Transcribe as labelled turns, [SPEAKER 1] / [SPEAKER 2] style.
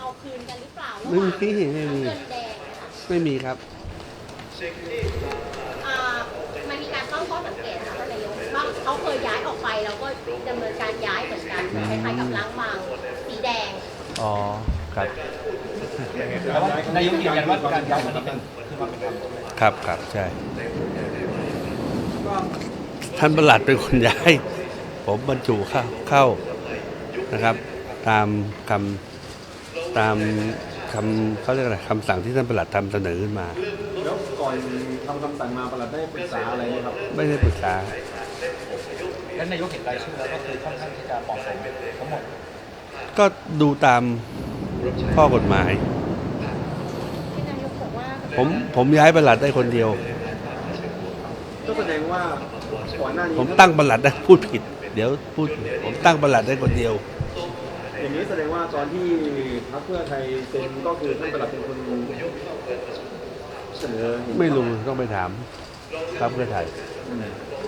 [SPEAKER 1] เอาคืนกันหรือเปล่าระห
[SPEAKER 2] ไม่
[SPEAKER 1] ว่าง
[SPEAKER 2] มีไม่มี
[SPEAKER 1] เงินแดงนะคะ
[SPEAKER 2] ไม่มีครับ
[SPEAKER 1] อ่ามันมีการตั้งข้อสังเกตนะคะท่านนายกว่าเขาเคยย้ายออกไปแล้วก็ดำเนินการย้ายเหมือนกันคล้ายๆกับล้างบางสีแดง
[SPEAKER 2] อ๋อครับ
[SPEAKER 3] แต่ว่านายกยืนยันว่าการย้ายมันเป็นคือความเป็นธรรม
[SPEAKER 2] ครับครับใช่ ท่านประหลัดเป็นคนย้าย ผมบรรจุเข้านะครับ ตามคำเขาเรียกอะไรคำสั่งที่ท่านประหลัดทำเสนอขึ้นมา
[SPEAKER 4] แล้วก่อนทำคำสั่งมาประหลัดได้ปรึกษาอะไรไหมครับ
[SPEAKER 2] ไม่ได้ปรึกษา
[SPEAKER 3] แล้วนายกเห็นรายชื่อแล้วก็คือค่อนข้างที่จะเหมาะสมทั้งหมด
[SPEAKER 2] ก็ดูตามข้อกฎหมาย
[SPEAKER 1] ที่นายกบอกว่า
[SPEAKER 2] ผมย้ายประหลัดได้คนเดียว
[SPEAKER 4] ก็แสดงว่าก่อนหน้านี้
[SPEAKER 2] ผมตั้งประหลัดได้พูดผิด เดี๋ยวพูดผมตั้งประหลัดได้คนเดียว
[SPEAKER 4] อย่างนี้แสดงว่าตอนที่พรรคเพื่อไทยเซ็นก็คือท่านประหลัดเป็นคนเสนอ
[SPEAKER 2] ไม่รู้ต้องไปถามครับเพื่อไทย
[SPEAKER 4] อืม